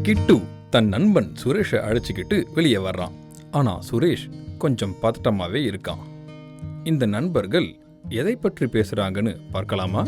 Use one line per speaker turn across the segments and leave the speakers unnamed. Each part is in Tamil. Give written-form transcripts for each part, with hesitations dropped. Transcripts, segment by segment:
கிட்டு தன் நண்பன் சுரேஷை அழைச்சிக்கிட்டு வெளியே வர்றான். ஆனா சுரேஷ் கொஞ்சம் பதட்டமாவே இருக்கான். இந்த நண்பர்கள் எதை பற்றி பேசுறாங்கன்னு பார்க்கலாமா?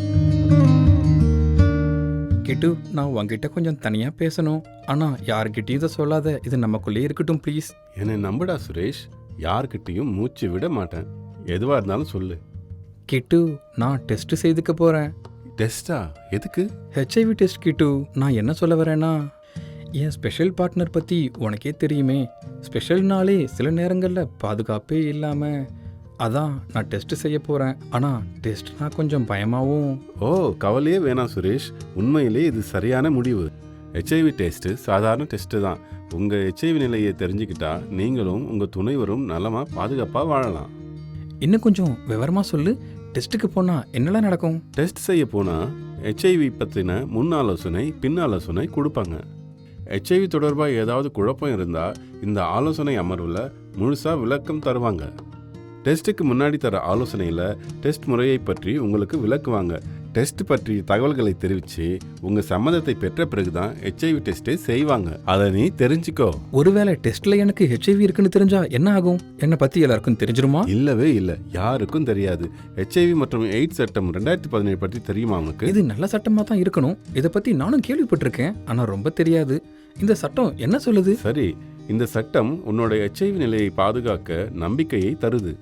கிட்டு, நான் உங்ககிட்ட கொஞ்சம் தனியா பேசணும். ஆனா யாருக்கிட்டையும் இதை சொல்லாத, இது நமக்குள்ளே இருக்கட்டும் ப்ளீஸ்.
என்னை நம்புடா சுரேஷ், யார்கிட்டையும் மூச்சு விட மாட்டேன். எதுவா இருந்தாலும் சொல்லு.
கிட்டு, நான் டெஸ்ட் செய்துக்க போறேன்.
டெஸ்டா? எதுக்கு?
HIV test. கிட்டு, நான் என்ன சொல்ல வரேன்னா, என் ஸ்பெஷல் பார்ட்னர் பற்றி உனக்கே தெரியுமே. ஸ்பெஷல்னாலே சில நேரங்களில் பாதுகாப்பே இல்லாமல், அதான் நான் டெஸ்ட் செய்ய போகிறேன். ஆனால் டெஸ்ட்னா கொஞ்சம் பயமாகவும்.
ஓ, கவலையே வேணாம் சுரேஷ், உண்மையிலே இது சரியான முடிவு. ஹெச்ஐவி டெஸ்ட்டு சாதாரண டெஸ்ட்டு தான். உங்கள் ஹெச்ஐவி நிலையை தெரிஞ்சுக்கிட்டா நீங்களும் உங்கள் துணைவரும் நலமாக பாதுகாப்பாக வாழலாம்.
இன்னும் கொஞ்சம் விவரமாக சொல்லு. டெஸ்ட்டுக்கு போனால் என்னெல்லாம் நடக்கும்?
டெஸ்ட் செய்ய போனால் ஹெச்ஐவி பற்றின முன் ஆலோசனை பின் ஆலோசனை கொடுப்பாங்க. ஹெச்ஐவி தொடர்பாக ஏதாவது குழப்பம் இருந்தால் இந்த ஆலோசனை அமர்வில் முழுசாக விளக்கம் தருவாங்க. டெஸ்ட்டுக்கு முன்னாடி தர ஆலோசனையில் டெஸ்ட் முறையை பற்றி உங்களுக்கு விளக்குவாங்க. டெஸ்ட் பற்றி தகவல்களை தெரிவித்து உங்கள் சம்மதத்தை பெற்ற பிறகுதான் ஹெச்ஐவி டெஸ்ட்டை செய்வாங்க. அதை நீ தெரிஞ்சுக்கோ.
ஒருவேளை டெஸ்ட்டில் எனக்கு ஹெச்ஐவி இருக்குன்னு தெரிஞ்சா என்ன ஆகும்? என்னை பற்றி எல்லாருக்கும் தெரிஞ்சிருமா?
இல்லவே இல்லை, யாருக்கும் தெரியாது. ஹெச்ஐவி மற்றும் எய்ட்ஸ் சட்டம் 2017 பற்றி தெரியுமா உனக்கு?
இது நல்ல சட்டமாக தான் இருக்கணும். இதை பற்றி நானும் கேள்விப்பட்டிருக்கேன், ஆனால் ரொம்ப தெரியாது. இந்த சட்டம் என்ன சொல்லுது?
சரி, இந்த சட்டம் உன்னோட ஹெச்ஐவி நிலையை பாதுகாக்க நம்பிக்கையை தருது.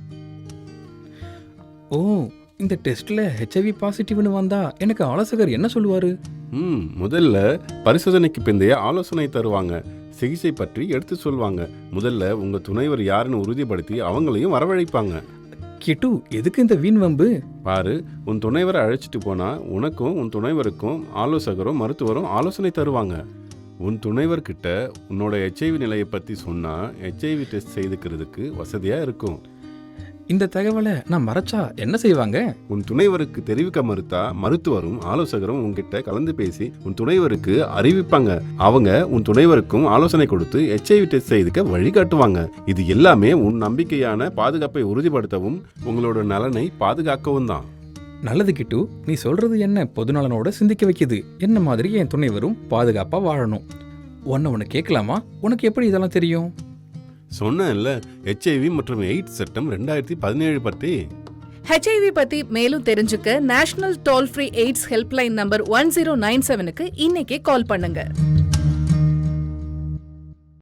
ஓ, இந்த டெஸ்ட்ல ஹெச்ஐவி பாசிட்டிவ்னு வந்தா எனக்கு ஆலோசகர் என்ன சொல்லுவாரு?
முதல்ல பரிசோதனைக்கு பிந்தைய ஆலோசனை தருவாங்க. சிகிச்சை பற்றி எடுத்து சொல்வாங்க. முதல்ல உங்க துணைவர் யாருன்னு உறுதிப்படுத்தி அவங்களையும் வரவழைப்பாங்க.
கிட்டு, எதுக்கு இந்த வீண் வம்பு?
பாரு, உன் துணைவரை அழைச்சிட்டு போனா உனக்கும் உன் துணைவருக்கும் ஆலோசகரும் மருத்துவரும் ஆலோசனை தருவாங்க. உன் துணைவர்கிட்ட உன்னோட ஹெச்ஐவி நிலையை பற்றி சொன்னால் ஹெச்ஐவி டெஸ்ட் செய்துக்கிறதுக்கு வசதியாக இருக்கும்.
இந்த தகவலை நான் மறைச்சா என்ன செய்வாங்க?
உன் துணைவருக்கு தெரிவிக்க மறுத்தா மருத்துவரும் ஆலோசகரும் உன்கிட்ட கலந்து பேசி உன் துணைவருக்கு அறிவிப்பாங்க. அவங்க உன் துணைவருக்கும் ஆலோசனை கொடுத்து ஹெச்ஐவி டெஸ்ட் செய்துக்க வழிகாட்டுவாங்க. இது எல்லாமே உன் நம்பிக்கையான பாதுகாப்பை உறுதிப்படுத்தவும் உங்களோட நலனை பாதுகாக்கவும் தான்.
நல்லது கிட்டு, நீ சொல்றது என்ன பொதுநலனோட சிந்திக்க வைக்குது. என்ன மாதிரி என் துணைவரும் பாதுகாப்பா வாழணும். ஒன்னு கேட்கலாமா? உனக்கு எப்படி இதெல்லாம் தெரியும்?
சொன்னேன்ல, ஹெச்ஐவி மற்றும் எய்ட்ஸ் சட்டம் 2017 பற்றி.
ஹெச்ஐவி பத்தி மேலும் தெரிஞ்சுக்க national toll free AIDS helpline number 1097க்கு இன்னைக்கே கால் பண்ணுங்க.